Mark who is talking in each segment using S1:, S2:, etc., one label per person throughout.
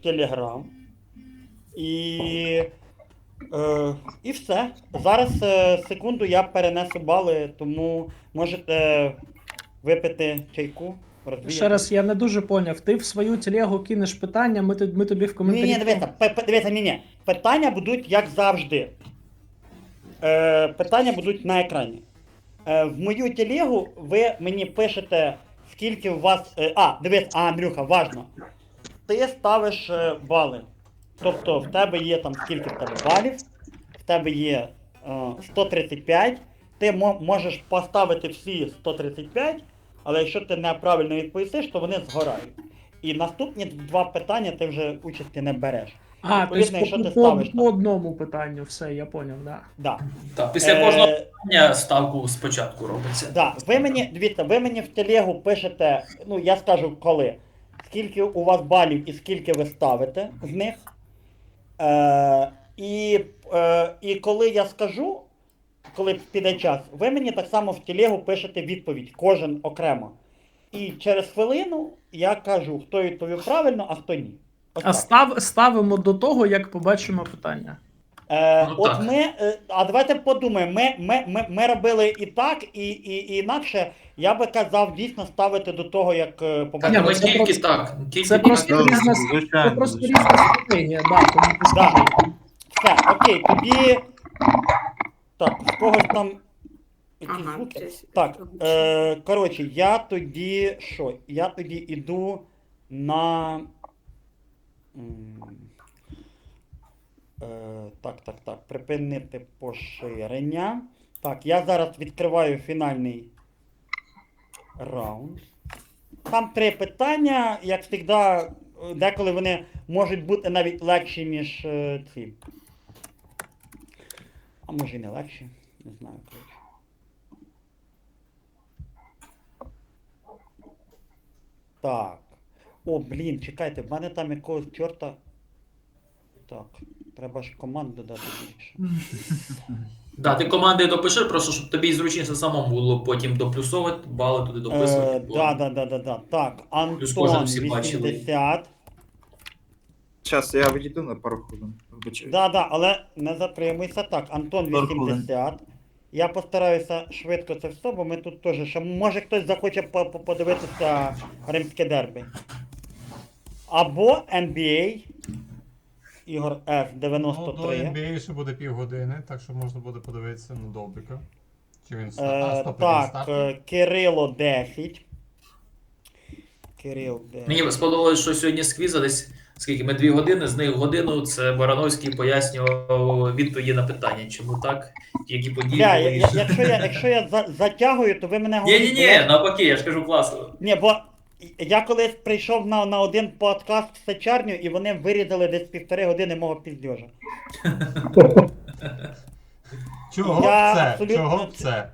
S1: Telegram. І все. Зараз, секунду, я перенесу бали, тому можете випити чайку,
S2: Ще
S1: розвіяти.
S2: раз, я не дуже поняв. Ти в свою телегу кинеш питання, ми тобі в коментарі.
S1: Ні, дивіться, ні. Питання будуть як завжди. Питання будуть на екрані. В мою телегу ви мені пишете, скільки у вас. Дивись, Андрюха, важно. Ти ставиш бали. Тобто в тебе є там скільки в тебе балів, в тебе є 135, ти можеш поставити всі 135, але якщо ти неправильно відповісиш, то вони згорають. І наступні два питання ти вже участі не береш. Відповідно, якщо ти ставиш
S2: по одному питанню, все, я поняв, да.
S1: Да.
S3: Так, після кожного питання ставку спочатку робиться.
S1: Да. Дивіться, ви мені в телегу пишете, ну я скажу коли, скільки у вас балів і скільки ви ставите з них. І коли я скажу, коли піде час, ви мені так само в телегу пишете відповідь, кожен окремо. І через хвилину я кажу, хто відповів правильно, а хто ні. Ось так.
S2: Ставимо до того, як побачимо питання.
S1: От давайте подумаємо, ми робили і так, і інакше. Я би казав дійсно ставити до того, як
S3: Ні,
S1: побачимо.
S3: ми тільки так.
S2: Це просто різна стратегія, да, тому
S1: Да. Все, окей, тоді. Так, з когось там. Якісь звуки?
S4: щось.
S1: Так, коротше, я тоді що? Я тоді іду на. Так. Припинити поширення. Так, я зараз відкриваю фінальний раунд. Там 3 питання, як завжди, деколи вони можуть бути навіть легші, ніж ці. А може і не легші, не знаю, коротше. Так. О, блін, чекайте, в мене там якогось чорта. Так, треба ж команд додати більше.
S3: Да, ти команди допиши, просто щоб тобі зручніше самому було потім доплюсовувати, бали туди дописувати.
S1: Да. Так,
S3: Плюс кожен
S1: Антон
S3: всі бачили.
S1: 80.
S5: Зараз я відійду на пару хвилин. Вибачаю.
S1: Да, але не затримуйся. Так, Антон 80. Я постараюся швидко це все, бо ми тут теж ще. Може хтось захоче подивитися римське дербі. Або NBA. Ігор F.
S6: Ну, до
S1: 93.
S6: NBA ще буде півгодини, так що можна буде подивитися на Добрика. Чи він
S1: Так, Кирило 10. Кирил 10.
S3: Мені сподобалось, що сьогодні з квіза десь, скільки ми 2 години, з них годину це Барановський пояснював відповіді на питання. Чому так? Які події були.
S1: Якщо я затягую, то ви мене
S3: Ні, навпаки, я ж кажу класно.
S1: Ні, бо я колись прийшов на один подкаст в Сечарню, і вони вирізали десь 1,5 години мого піздьожа.
S6: Чого
S1: Я
S6: це?
S1: абсолютно-
S6: Чого це?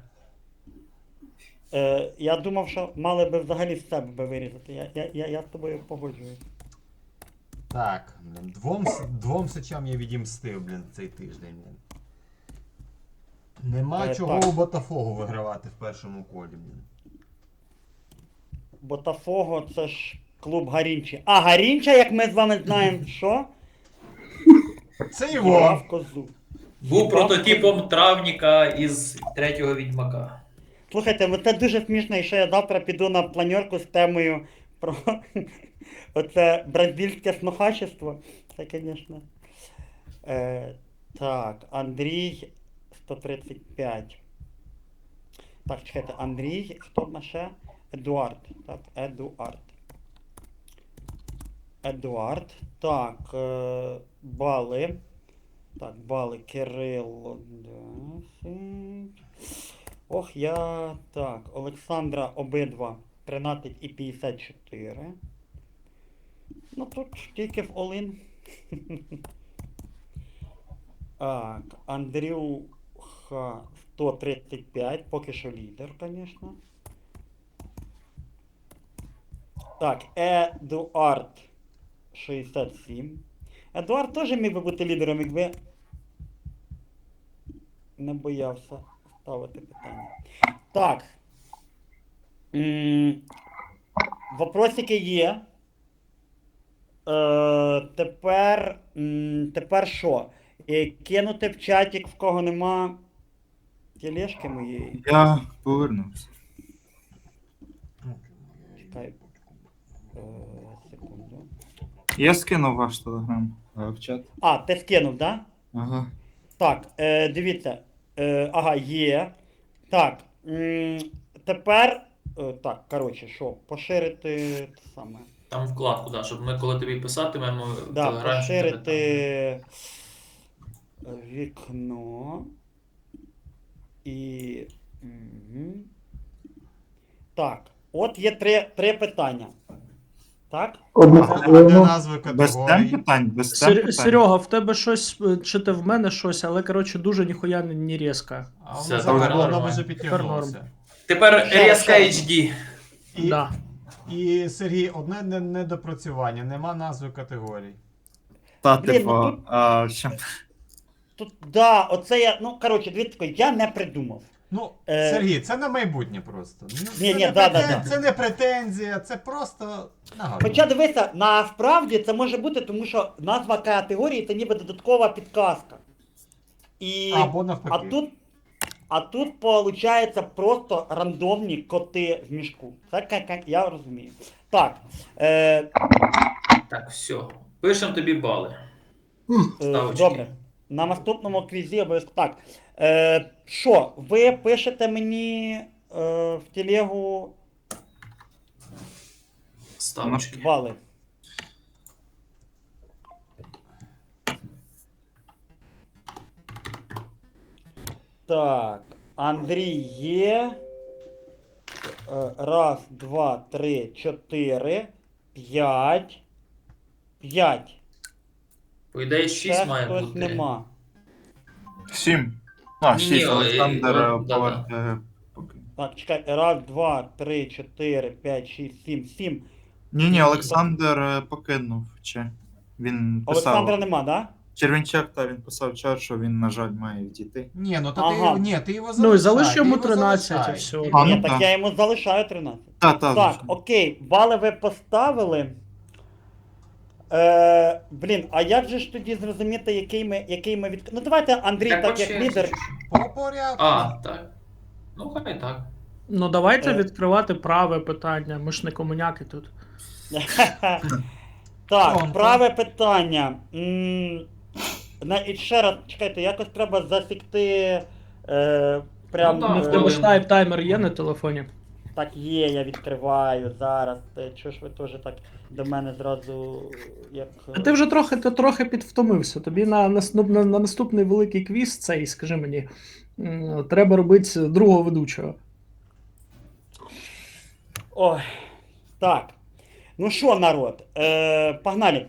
S1: Я думав, що мали би взагалі з себе би вирізати. Я з тобою погоджуюсь.
S6: Так, блін, двом сечам я відімстив, блін, цей тиждень, блін. Нема чого
S1: так.
S6: у Ботафогу вигравати в першому колі, блін.
S1: Ботафого це ж клуб Гарінчі. А Гарінча, як ми з вами знаємо, що?
S6: Це
S1: Грав
S6: Іван.
S1: козу.
S3: Був прототипом травніка із 3-го відьмака.
S1: Слухайте, це дуже смішно, і що я завтра піду на планерку з темою про оце бразильське снохачество. Це, звісно. Так, Андрій 135. Так, чекайте, Андрій, хто в нас ще? Едуард. Так, Едуард. Так, бали. Так, бали Кирило 10. Ох, Так, Олександра обидва 13 і 54. Ну тут тільки в Олин. Так, Андрюха 135, поки що лідер, звісно. Так, Едуард 67. Едуард теж міг би бути лідером, якби не боявся ставити питання. Так. Вопросики є. Тепер що? Кинути в чатик, в кого нема тележки моєї.
S5: Я повернувся.
S1: Чекай. Секунду.
S5: Я скинув ваш телеграм в чат.
S1: А, ти скинув, да?
S5: Ага.
S1: Так, дивіться. Ага, є. Так. Тепер. Так, коротше, що? Поширити те саме.
S3: Там вкладку, да, щоб ми коли тобі писатимемо в
S1: Да,
S3: телеграмі. щоб тебе
S1: поширити вікно. І. Мгм. Так. От є три питання. Так?
S6: А де назви
S5: Без тем
S6: категорій?
S5: питань, без тем питань.
S2: Серега, в тебе щось, чи ти в мене щось, але коротше дуже ніхуя не різко.
S6: А
S3: Все,
S6: воно
S3: тепер
S6: зараз воно
S3: нормально.
S6: вже підтягнулося.
S3: Тепер
S1: Ще раз,
S3: різка
S1: ще раз.
S3: HD.
S6: І,
S2: Да.
S6: і Сергій, одне недопрацювання, нема назви категорій.
S5: Та,
S1: Блін,
S5: типу,
S1: ну тут-
S5: що?
S1: Тут, да, оце я. Ну, коротше, дивіться, я не придумав.
S6: Ну,
S1: Е,
S6: Сергій, це на майбутнє просто. Ну,
S1: Ні,
S6: це,
S1: ні,
S6: не
S1: да,
S6: претен-
S1: да.
S6: це не претензія, це просто нагадування.
S1: Хоча дивися, насправді це може бути, тому що назва категорії це ніби додаткова підказка. І...
S6: Або навпаки.
S1: А тут виходить просто рандомні коти в мішку. Це я розумію. Так.
S3: Так, все. Пишемо тобі бали. Ставочки.
S1: Добре. На наступному квізі обов'язково. Так. Що, ви пишете мені в телегу
S3: Ставочки.
S1: бали? Так, Андрій є. Раз, два, три, чотири, п'ять. П'ять.
S3: По ідеї 6
S1: Ще
S3: має
S1: хтось
S3: бути.
S1: нема.
S5: 7.
S3: Ні,
S5: 6,
S3: ой,
S5: Олександр
S3: да-да.
S5: поки.
S1: Так, чекай. Раз, два, три, чотири, п'ять, шість, сім. Сім.
S5: Ні, Олександр покинув. Чи він писав.
S1: Олександра нема, да?
S5: Червінчак, та він писав чат, що він, на жаль, має відійти.
S6: Ні, ну то
S1: Ага.
S6: ти його
S2: Ну і
S6: залишай.
S2: залиш йому
S6: ти його
S2: 13
S6: залишай.
S2: і все.
S5: А,
S1: Ні,
S5: ну
S1: так
S5: так.
S1: я йому залишаю 13.
S5: Так,
S1: Так, окей, бали ви поставили. Блін, а як же ж тоді зрозуміти, який ми від... Ну давайте Андрій, так
S3: по
S1: як
S3: черзі
S1: лідер.
S3: чи що?
S6: По порядку.
S3: А, так. Ну, хай так.
S2: Ну давайте
S1: Е.
S2: відкривати праве питання, ми ж не комуняки тут.
S1: Так,
S6: Тонко.
S1: праве питання. І ще раз, чекайте, якось треба засікти. Прям.
S3: Ну, так,
S2: В тебе ж
S3: хвилину.
S2: таймер є на телефоні?
S1: Так є, я відкриваю зараз. Чого ж ви теж так до мене зразу як.
S2: А ти вже трохи підвтомився. Тобі на наступний великий квіз цей, скажи мені, треба робити другого ведучого.
S1: Ой. Так. Ну що, народ? Погнали.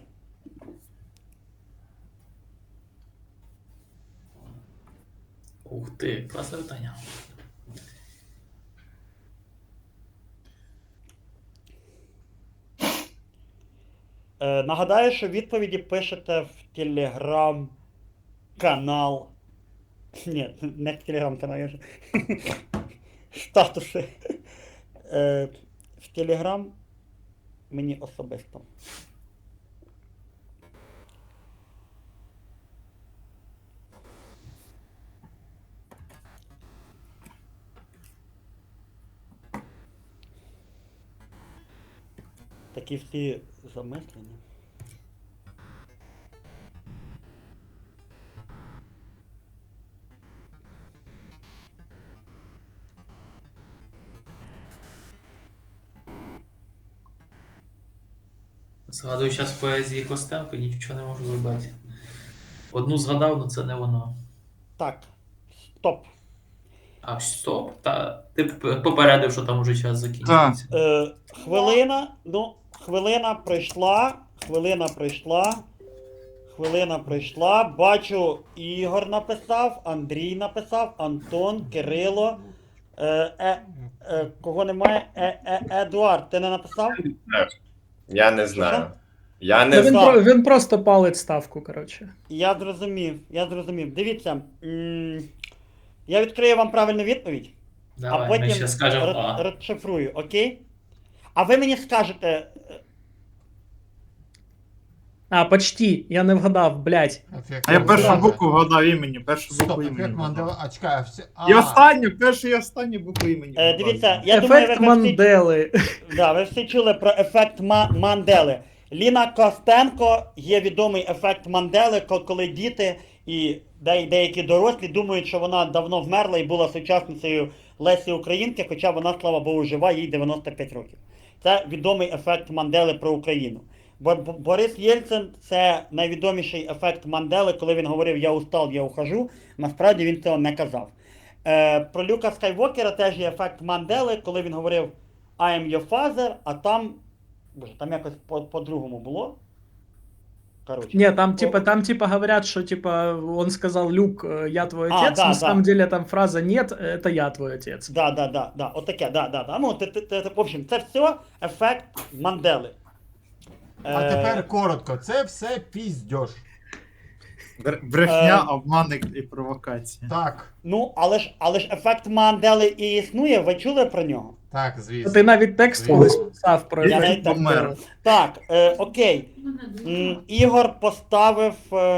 S3: Ух ти, класне питання.
S1: Нагадаю, що відповіді пишете в телеграм-канал. Ні, не в телеграм-канал, я ж. Статуси. В телеграм мені особисто. Такі всі замислені.
S3: Згадую зараз поезії Костенко, нічого не можу зробити. Одну згадав, але це не воно.
S1: Так, стоп.
S3: А, стоп. Та ти попередив, що там уже час закінчується.
S1: Хвилина пройшла. Хвилина пройшла. Бачу, Ігор написав, Андрій написав, Антон, Кирило. Кого немає? Едуард, ти не написав?
S4: Я не знаю. Я
S2: Та
S4: не
S2: він,
S4: знаю.
S2: він просто палить ставку, коротше.
S1: Я зрозумів. Дивіться, я відкрию вам правильну відповідь,
S3: Давай,
S1: а
S3: ми
S1: потім
S3: ще скажемо А.
S1: розшифрую, окей? А ви мені скажете.
S2: А, почти, я не вгадав, блядь.
S6: Ефект
S5: А я першу
S6: Мандели.
S5: букву вгадав імені, першу
S6: Стоп,
S5: букву імені.
S6: ефект Мандели.
S5: вгадав.
S6: А чекай, а все.
S5: І останню, першу і останню букву імені.
S1: Дивіться,
S5: вгадав.
S1: я думаю,
S2: Ефект
S1: ви всі,
S2: Мандели.
S1: да, ви всі чули про ефект Мандели. Ліна Костенко є відомий ефект Мандели, коли діти і деякі дорослі думають, що вона давно вмерла і була сучасницею Лесі Українки, хоча вона, слава Богу, жива, їй 95 років. Це відомий ефект Мандели про Україну. Борис Єльцин – це найвідоміший ефект Мандели, коли він говорив «я устал, я ухожу», насправді він цього не казав. Про Люка Скайвокера теж є ефект Мандели, коли він говорив «I am your father», а там, боже, там якось по-другому було. Короче.
S2: Не, там типа говорят, что типа он сказал, Люк, я твой
S1: А,
S2: отец,
S1: да,
S2: на
S1: да.
S2: самом деле там фраза нет, это я твой отец.
S1: Да, отаке, да. Ну, в общем, це все ефект Мандели.
S6: А тепер коротко, це все піздьош.
S5: Брехня, обман і провокація.
S6: Так,
S1: Ну, але ж ефект Мандели і існує, ви чули про нього?
S6: так, звісно.
S2: Ти навіть текст
S6: Звісно.
S2: колись писав про
S1: Я
S2: ефект
S1: навіть так
S2: Мандели.
S5: помер.
S1: Так, окей. Ігор поставив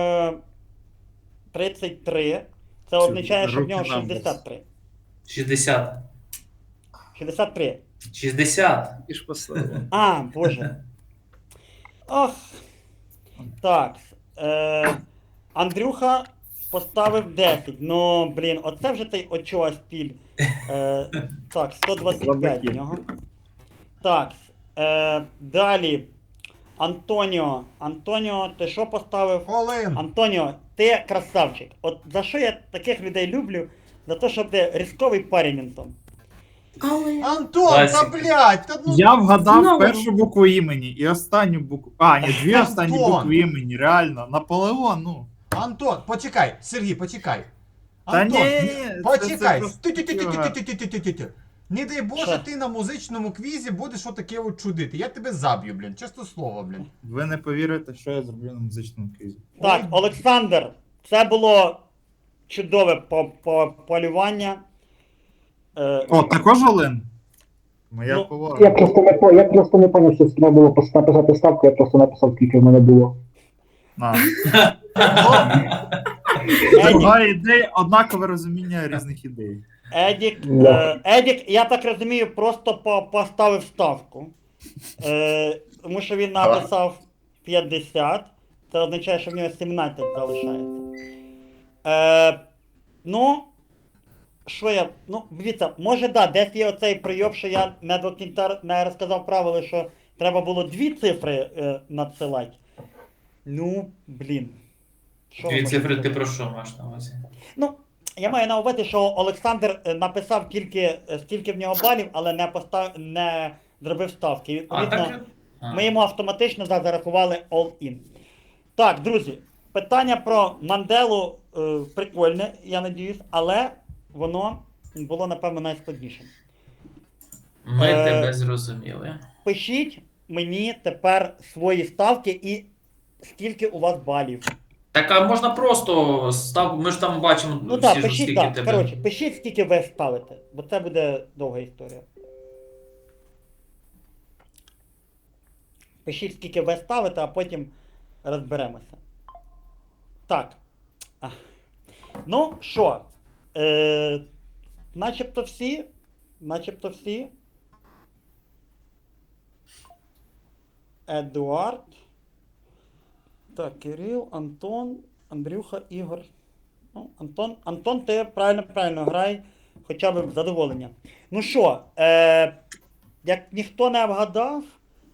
S1: 33. Це означає, що в нього
S5: руки нам
S1: 63.
S3: 60.
S1: 63.
S3: 60.
S5: І ж поставив.
S1: А, боже. Ох. Так. Андрюха поставив 10. Ну, блін, оце вже той очова стіль. Так, 125 в нього. Так. Далі. Антоніо. Антоніо, ти що поставив?
S6: Олин.
S1: Антоніо, ти красавчик. От за що я таких людей люблю? За те, що ти різковий парень, Антон.
S6: Антон,
S3: Класика.
S6: та блядь, та ну.
S5: Я вгадав
S7: Знову.
S5: першу букву імені і останню букву. А, ні, дві
S6: Антон.
S5: останні букви імені, реально. Наполеон, ну.
S6: Антон, почекай, Сергій, почекай.
S5: Та
S6: Антон,
S5: ні,
S6: не- почекай.
S5: просто
S6: Ти-ти-ти-ти-ти-ти-ти-ти-ти. Не дай Боже,
S5: Що?
S6: ти на музичному квізі будеш отаке от чудити. Я тебе заб'ю, блін, чесне слово, блін.
S5: Ви не повірите, що я зроблю на музичному квізі.
S1: Так,
S6: Ой.
S1: Олександр, це було чудове полювання.
S5: О, також Олен? Моя
S1: Ну,
S5: повага.
S8: Я просто не поняв, що треба було написати ставку, я просто написав, скільки в мене було.
S5: На.
S1: Едік,
S5: Друга ідея, однакове розуміння різних ідей.
S1: Едік, я так розумію, просто поставив ставку. Тому що він написав 50. Це означає, що в нього 17 залишається. Ну, що я. Ну, дивіться, може, да, десь є оцей прийом, що я не до кінця не розказав правила, що треба було 2 цифри надсилати. Ну, блін. Що
S3: Дві
S1: можна
S3: цифри ти
S1: сказати?
S3: про що маєш на увазі?
S1: Ну, я маю на увазі, що Олександр написав скільки в нього балів, але не зробив ставки.
S3: А,
S1: Відповідно,
S3: так? А.
S1: ми йому автоматично зарахували all-in. Так, друзі, питання про Манделу прикольне, я надіюсь, але воно було, напевно, найскладнішим.
S3: Ми
S1: Е,
S3: тебе зрозуміли.
S1: Пишіть мені тепер свої ставки і скільки у вас балів.
S3: Так, а можна просто став. Ми ж там бачимо
S1: Ну
S3: всі
S1: так,
S3: ж
S1: пишіть,
S3: скільки
S1: так.
S3: тебе.
S1: Коротше, пишіть, скільки ви ставите, бо це буде довга історія. Пишіть, скільки ви ставите, а потім розберемося. Так. Ах. Ну що, начебто всі. Начебто всі. Едуард. Так, Кирил, Антон, Андрюха, Ігор. Ну, Антон, ти правильно грай, хоча б задоволення. Ну що, як ніхто не вгадав,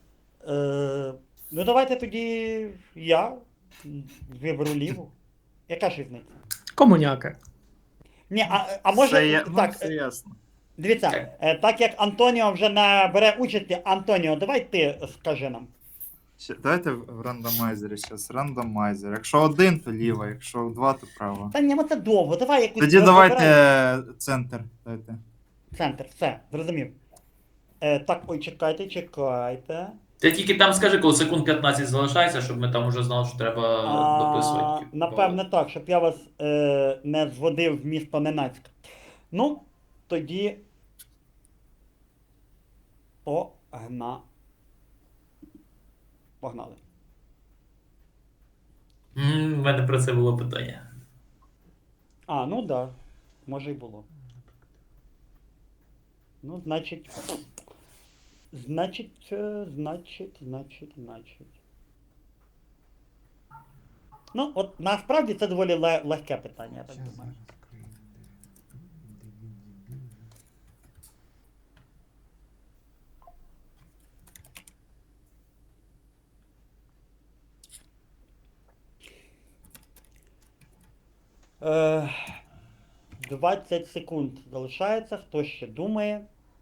S1: ну давайте тоді я виберу ліву. Яка ж різниця?
S2: Комуняка.
S1: Ні, а може, так,
S5: все ясно.
S1: дивіться, так як Антоніо вже не бере участі, Антоніо, давай ти скажи нам.
S5: Давайте в рандомайзері зараз. Рандомайзер. Якщо один, то ліво, якщо два, то право.
S1: Та ні, ну це довго, давай якусь...
S5: Тоді
S1: вибирай.
S5: давайте центр. Дайте.
S1: Центр, все, зрозумів. Так, ой, чекайте.
S3: Ти тільки там скажи, коли секунд 15 залишається, щоб ми там уже знали, що треба дописувати.
S1: Напевне так, щоб я вас не зводив в місто Ненецьк. Ну, тоді Погнали.
S3: У мене про це було питання.
S1: А, ну да. Може й було. Ну, значить. Значить. Ну, от насправді це доволі легке питання, я так
S6: Щас
S1: думаю.
S6: розкрию.
S1: Е, 20 секунд залишається. Хто ще думає?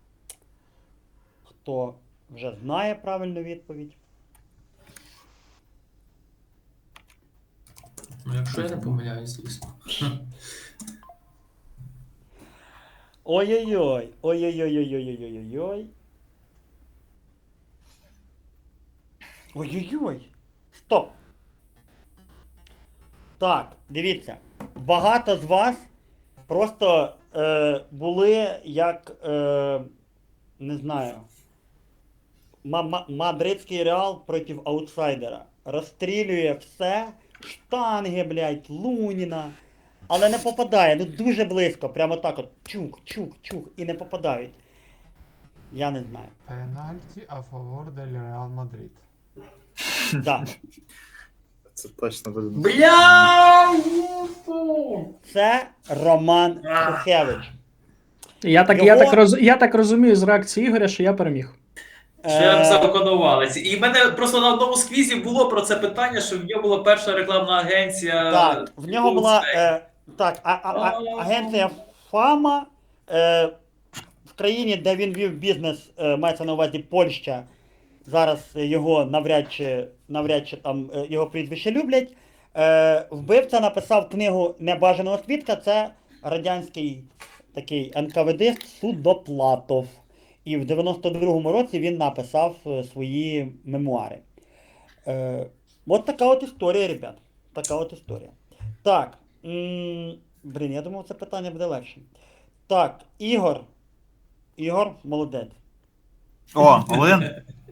S1: Хто вже знає правильну відповідь?
S3: Ну, якщо я не помиляюсь, звісно.
S1: Ой-ой-ой. Ой-ой-ой-ой-ой-ой-ой-ой. Ой-ой-ой. Стоп. Так, дивіться. Багато з вас просто були як, не знаю, мадридський Реал проти аутсайдера. Розстрілює все, штанги, блядь, Луніна. Але не попадає, ну дуже близько, прямо так от чук, і не попадають. Я не знаю.
S6: Пенальті а фавор дель Реал Мадрид.
S1: Да.
S5: Це точно буде.
S3: Бля!
S1: Це Роман Шухевич.
S2: Я так розумію з реакції Ігоря, що я переміг.
S3: Шлях законувалець. І в мене просто на одному з квізів було про це питання, що в нього була перша рекламна агенція.
S1: Так, в нього була агенція Фама в країні, де він вів бізнес, мається на увазі Польща. Зараз його навряд чи там його прізвище люблять. Вбивця написав книгу Небажаного свідка. Це радянський такий НКВД Судоплатов. І в 92-му році він написав свої мемуари. От така от історія, ребят. Така от історія. Так. Блін, я думав, це питання буде легше. Так, Ігор. Ігор, молодець.
S5: О, Олен?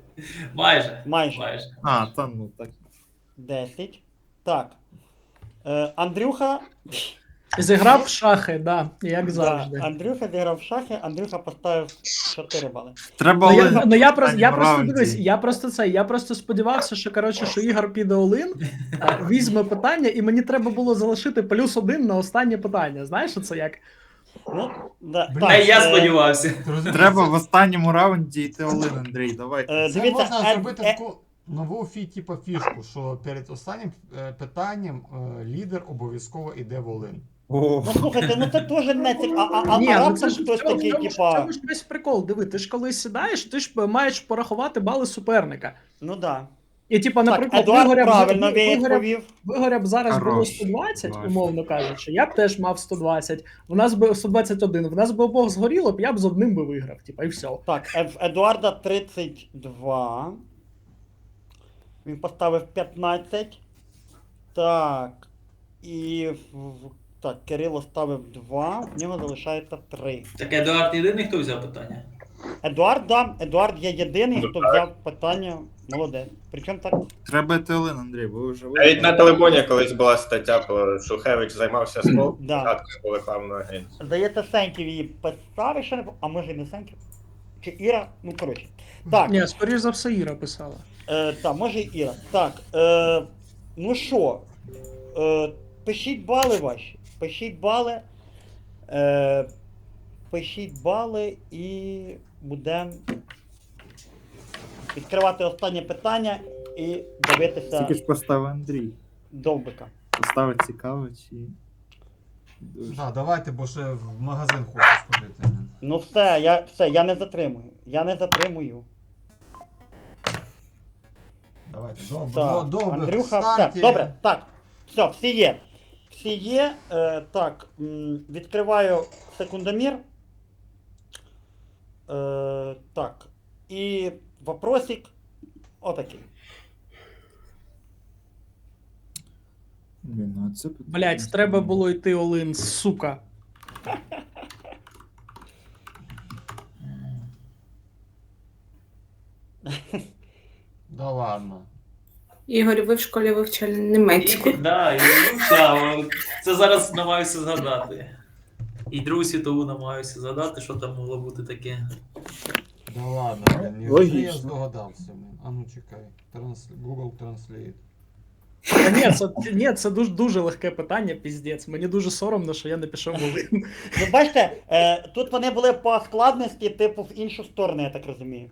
S1: Майже.
S5: А, та ну так.
S1: 10. Так. Андрюха.
S2: Зіграв в шахи, да, як
S1: Да,
S2: завжди.
S1: Андрюха зіграв в шахи, Андрюха поставив 4 бали.
S5: Треба
S2: Ну,
S5: Олен.
S2: я просто
S5: раунді.
S2: дивись, я просто сподівався, що Ігор піде Олин, візьме питання, і мені треба було залишити +1 на останнє питання. Знаєш, що це як?
S1: Ну, да,
S6: Блін,
S1: так,
S3: А я сподівався.
S6: Ти розумієш,
S5: Треба в останньому раунді йти Олен, Андрій, давай.
S6: Це
S1: дивіться,
S6: можна зробити таку нову типу, фішку, що перед останнім питанням лідер обов'язково йде в Олин.
S1: ну слухайте, ну це теж не цікаво.
S2: Ні,
S1: А
S2: ну
S1: раптом
S2: це ж
S1: хтось такий,
S2: в
S1: типа.
S2: цьому ж весь прикол. Диви, ти ж коли сідаєш, ти ж маєш порахувати бали суперника.
S1: Ну да.
S2: І типа,
S1: Так,
S2: наприклад,
S1: Едуард правильно
S2: Вигоря
S1: відповів.
S2: б зараз було
S5: Хорош.
S2: 120,
S5: Бачу.
S2: умовно кажучи, я б теж мав 120, в нас би 121, в нас би обох згоріло б, я б з одним би виграв, типа, і все.
S1: Так, в Едуарда 32. Він поставив 15. Так. І так, Кирило ставив 2, в нього залишається 3.
S3: Так Едуард єдиний, хто взяв питання?
S1: Едуард, да, Едуард є єдиний,
S4: Ну,
S1: хто
S4: так.
S1: взяв питання. Молодець. Причому так.
S5: Треба йти Олен, Андрій, бо ви вже
S4: Навіть на телебоні колись була стаття, про Шухевич займався спортом,
S1: Да.
S4: спочатку по рекламну агенцію.
S1: Здається, Сеньків її писав, ще не а може і не Сеньків. Чи Іра? Ну, коротше. Так,
S2: Ні, скоріш за все, Іра писала.
S1: так, може і Іра. Так, ну що, пишіть бали ваші. Пишіть бали. Пишіть бали і будемо відкривати останнє питання і дивитися
S5: Тільки ж поставив Андрій.
S1: довбика.
S5: Поставить цікаво чи. Дуже.
S6: Да, давайте, бо ще в магазин хочу сходити.
S1: Ну все, я не затримую. Я не затримую.
S6: Давайте,
S1: Так,
S6: добре.
S1: Андрюха,
S6: старті.
S1: все, добре, так. Все, всі є. Всі є. Так, відкриваю секундомір. Так. І вопросик отакий.
S5: Блін, ну це
S2: Блять, треба було йти Олин, сука.
S6: Да ладно.
S7: Ігор, ви в школі вивчали німецьку.
S3: Да, і вивчав. Це зараз намагаюся згадати. І Другу світову намагаюся згадати, що там могло бути таке.
S6: Да ладно, блін, ні,
S5: Логічно.
S6: я здогадався, блін. А ну чекай. Google Translate.
S2: Та ні, це дуже легке питання, піздець. Мені дуже соромно, що я не пішов Волин.
S1: Ви бачите, тут вони були по складності, типу, в іншу сторону, я так розумію.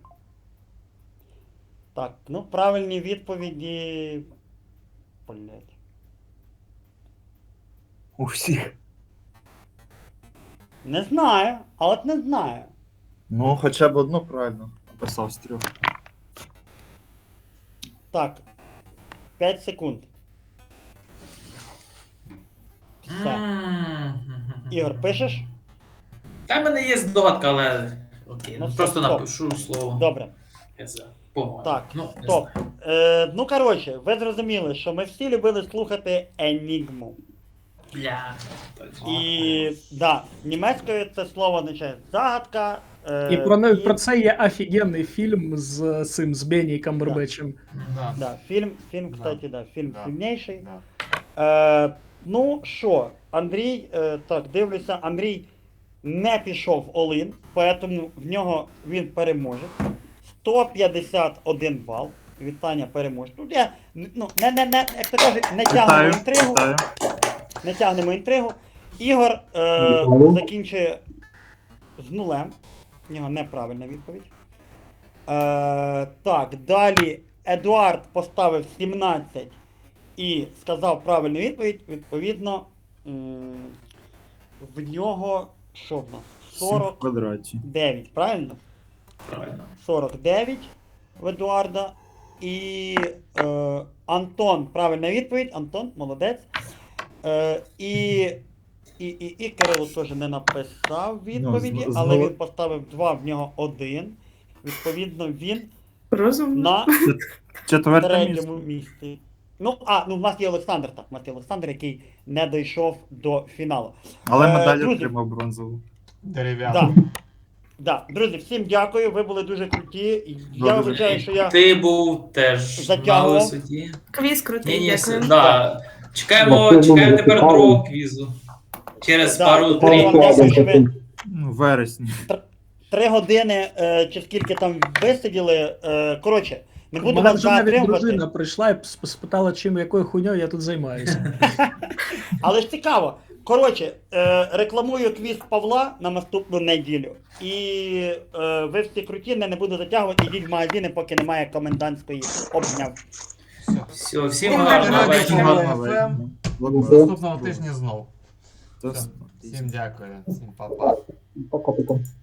S1: Так, ну правильні відповіді. Блять.
S5: У всіх.
S1: Не знаю, але от не знаю.
S5: Ну, хоча б одну правильно написав з 3.
S1: Так. 5 секунд. Все. Ігор, пишеш?
S3: Та в мене є здогадка, але окей,
S1: Ну,
S3: просто
S1: стоп.
S3: напишу слово.
S1: Добре.
S3: По-моєму.
S1: Так,
S3: Ну, не
S1: стоп.
S3: знаю.
S1: Ну, коротше, ви зрозуміли, що ми всі любили слухати Енігму.
S3: Бля.
S1: І да, німецькою це слово означає загадка.
S2: І про це є офігенний фільм з цим з Бенні Камбербечем.
S6: Да.
S1: Да, фільм,
S6: Да.
S1: кстати, да, фільм
S6: Да.
S1: сильніший.
S6: Да.
S1: Ну що, Андрій, так, дивлюся, Андрій не пішов Олин, поэтому в нього він переможе. 151 бал. Вітання переможе. Тут я, ну, як то кажуть, не тягнемо інтригу. Не тягнемо інтригу. Ігор закінчує з нулем. В нього неправильна відповідь. Так, далі Едуард поставив 17 і сказав правильну відповідь. Відповідно, в нього що в нас?
S5: 40 в квадраті.
S1: 49, правильно?
S3: Правильно.
S1: 49 в Едуарда. І Антон, правильна відповідь. Антон, молодець. І Кирило теж не написав відповіді,
S5: Ну,
S1: але він поставив 2, в нього 1. Відповідно, він
S7: Розумно.
S1: на
S5: Четверте місце.
S1: третьому місці. Ну, в нас є Олександр, так, у нас є Олександр, який не дійшов до фіналу.
S5: Але медаль
S1: друзі,
S5: отримав бронзову.
S6: Дерев'яна.
S1: Да, друзі, всім дякую, ви були дуже круті. Я
S5: Дуже.
S1: вибачаю, що я
S3: Ти був теж на
S1: затягував.
S3: висоті.
S7: Квіз крутий,
S3: Ні,
S7: дякую.
S3: да. Чекаємо
S8: Дякую,
S3: тепер
S8: цікаво.
S3: другого квізу. Через
S1: Да,
S3: пару
S1: дякую вам,
S3: три.
S1: дякую, що ви
S5: Ну, в вересні.
S1: 3 години чи скільки там висиділи. Коротше, не
S2: У
S1: буду
S2: мене
S1: вас
S2: вже навіть
S1: затримувати.
S2: дружина прийшла і спитала, якою хуйньою я тут займаюся.
S1: Але ж цікаво. Коротше, рекламую квіз Павла на наступну неділю. І ви всі круті, не буду затягувати, йдіть в магазини, поки немає комендантської обняв.
S6: Все.
S3: Все, всім
S6: Ну,
S3: гарного
S6: гарного
S3: вечора.
S6: вечора.
S5: Гарного
S6: FM.
S5: вечора.
S6: Наступного тижня знов.
S5: Це-
S6: Всім дякую. Всім па-па.
S8: Пока-пока.